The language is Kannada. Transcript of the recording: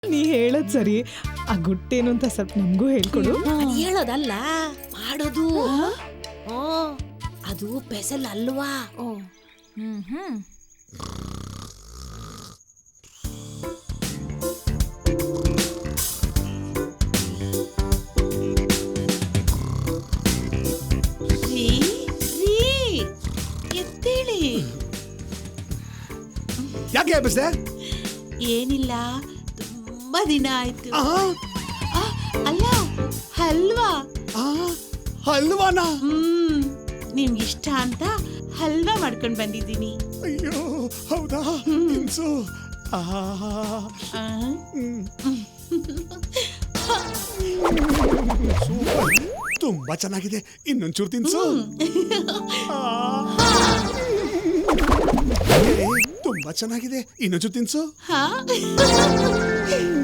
ನೀ ಹೇಳೋದ್ ಸರಿ. ಆ ಗುಟ್ಟೇನು ಅಂತ ಸ್ವಲ್ಪ ನಮಗೂ ಹೇಳ್ಕೊಡು. ಅದ್ ಹೇಳೋದಲ್ಲ, ಮಾಡೋದು. ಅದು ಪೆಸಲ್ ಅಲ್ವಾ. ರೀ, ರೀ, ಎದ್ದೇಳಿ. ಯಾಕೆ ಎಬ್ಬಿಸ್ದೆ? ಏನಿಲ್ಲ, ತುಂಬಾ ದಿನ ಆಯ್ತು. ಅಲ್ಲ, ಹಲ್ವಾ. ಹಲ್ವಾನಾ? ನಿಮ್ಗಿಷ್ಟ ಅಂತ ಹಲ್ವಾ ಮಾಡ್ಕೊಂಡ್ ಬಂದಿದ್ದೀನಿ. ಅಯ್ಯೋ ಹೌದಾ? ತಿನ್ಸು. ಸೂಪರ್, ತುಂಬಾ ಚೆನ್ನಾಗಿದೆ. ಇನ್ನೊಂಚೂರು ತಿನ್ಸು. ತುಂಬಾ ಚೆನ್ನಾಗಿದೆ. ಇನ್ನೊಂಚೂರು ತಿನ್ಸು.